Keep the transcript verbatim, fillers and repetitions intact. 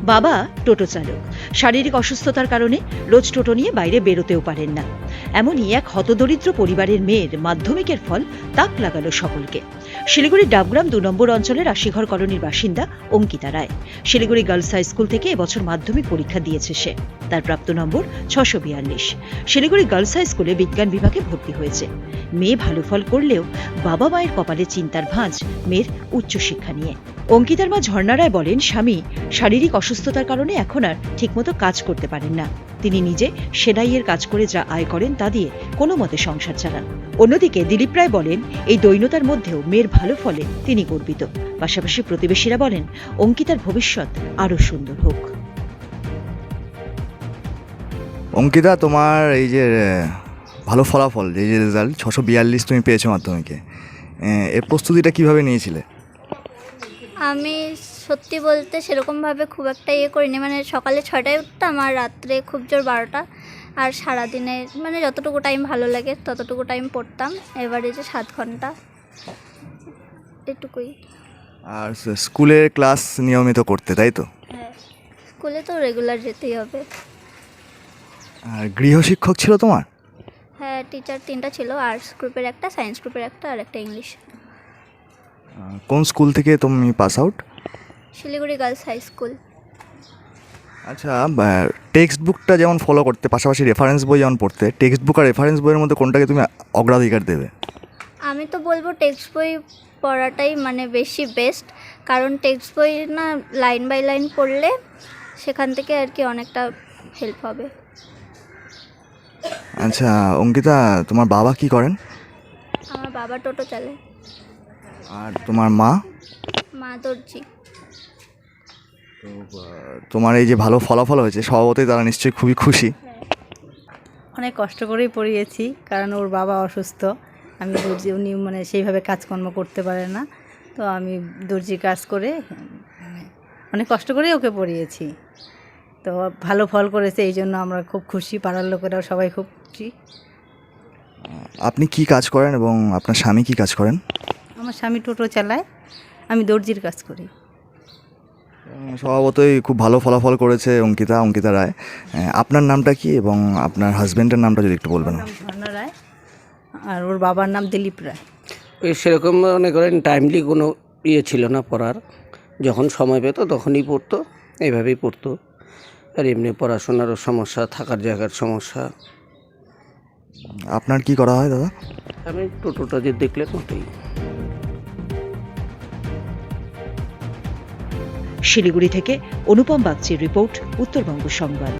বাবা টোটো চালক, শারীরিক অসুস্থতার কারণে রোজ টোটো নিয়ে বাইরে বেরোতেও পারেন না। এমনই এক হতদরিদ্র পরিবারের মেয়ের মাধ্যমিকের ফল তাক লাগালো সকলকে। শিলিগুড়ির ডাবগ্রাম দু নম্বর অঞ্চলের আশিঘর কলোনির বাসিন্দা Ankita Roy Siliguri girls high school থেকে এবছর মাধ্যমিক পরীক্ষা দিয়েছে সে। তার প্রাপ্ত নম্বর ছশো বিয়াল্লিশ। শিলিগুড়ি গার্লস হাই স্কুলে বিজ্ঞান বিভাগে ভর্তি হয়েছে। মেয়ে ভালো ফল করলেও বাবা মায়ের কপালে চিন্তার ভাঁজ মেয়ের উচ্চশিক্ষা নিয়ে। অঙ্কিতার মা ঝর্ণা রায় বলেন, স্বামী শারীরিক অসুস্থতার কারণে এখন আর ঠিকমতো কাজ করতে পারেন না। তিনি নিজে সেলাইয়ের কাজ করে যা আয় করেন তা দিয়ে কোনো মতে সংসার চালান। অন্যদিকে দিলীপ রায় বলেন, এই দৈন্যতার মধ্যেও মেয়ের ভালো ফলে তিনি গর্বিত। পাশাপাশি প্রতিবেশীরা বলেন, অঙ্কিতার ভবিষ্যৎ আরও সুন্দর হোক। অঙ্কিতা, তোমার এই যে ভালো ফলাফল, এই যে রেজাল্ট ছশো বিয়াল্লিশ তুমি পেয়েছো মাধ্যমিকে, এর প্রস্তুতিটা কিভাবে নিয়েছিলে? আমি সত্যি বলতে সেরকমভাবে খুব একটা ইয়ে করিনি, মানে সকালে ছটায় উঠতাম আর রাত্রে খুব জোর বারোটা, আর সারাদিনে মানে যতটুকু টাইম ভালো লাগে ততটুকু টাইম পড়তাম। এবারে যে সাত ঘন্টা এটুকুই। আর স্কুলের ক্লাস নিয়মিত করতে, তাই তো? হ্যাঁ, স্কুলে তো রেগুলার যেতেই হবে। আর গৃহশিক্ষক ছিল তোমার? হ্যাঁ, টিচার তিনটা ছিল, আর্টস গ্রুপের একটা, সায়েন্স গ্রুপের একটা, আর একটা ইংলিশ। কোন স্কুল থেকে তুমি pass out? Siliguri girls high school. আচ্ছা, টেক্সট বুকটা যেমন ফলো করতে, পাশাপাশি রেফারেন্স বই যেমন পড়তে, টেক্সট বুক আর রেফারেন্স বইয়ের মধ্যে কোনটাকে তুমি অগ্রাধিকার দেবে? আমি তো বলবো টেক্সট বই পড়াটাই মানে বেশি বেস্ট, কারণ টেক্সট বই না লাইন বাই লাইন পড়লে সেখান থেকে আর কি অনেকটা হেল্প হবে। আচ্ছা অঙ্কিতা, তোমার বাবা কি করেন? আমার বাবা টোটো চালায়। আর তোমার মা? মা দর্জি। তো তোমার এই যে ভালো ফলাফল হয়েছে, স্বভাবতই তারা নিশ্চয়ই খুবই খুশি। অনেক কষ্ট করেই পড়িয়েছি, কারণ ওর বাবা অসুস্থ। আমি দর্জি, উনি মানে সেইভাবে কাজকর্ম করতে পারে না, তো আমি দর্জি কাজ করে অনেক কষ্ট করেই ওকে পড়িয়েছি। তো ভালো ফল করেছে, এই জন্য আমরা খুব খুশি, পাড়ার লোকেরাও সবাই খুব খুশি। আপনি কি কাজ করেন এবং আপনার স্বামী কি কাজ করেন? আমার স্বামী টোটো চালায়, আমি দর্জির কাজ করি। স্বভাবতই খুব ভালো ফলাফল করেছে অঙ্কিতা, অঙ্কিতা রায়। আপনার নামটা কি এবং আপনার হাজব্যান্ডের নামটা যদি একটু বলবেন? নাম ঝর্ণা রায়, আর ওর বাবার নাম দিলীপ রায়। ওই সেরকম মনে করেন টাইমলি কোনো ইয়ে ছিল না পড়ার, যখন সময় পেতো তখনই পড়তো, এইভাবেই পড়তো। আর এমনি পড়াশোনারও সমস্যা, থাকার জায়গার সমস্যা। আপনার কি করা হয় দাদা? আমি টোটোটা যে দেখলে মতোই। শিলিগুড়ি থেকে অনুপম বাগচির রিপোর্ট, উত্তরবঙ্গ সংবাদ।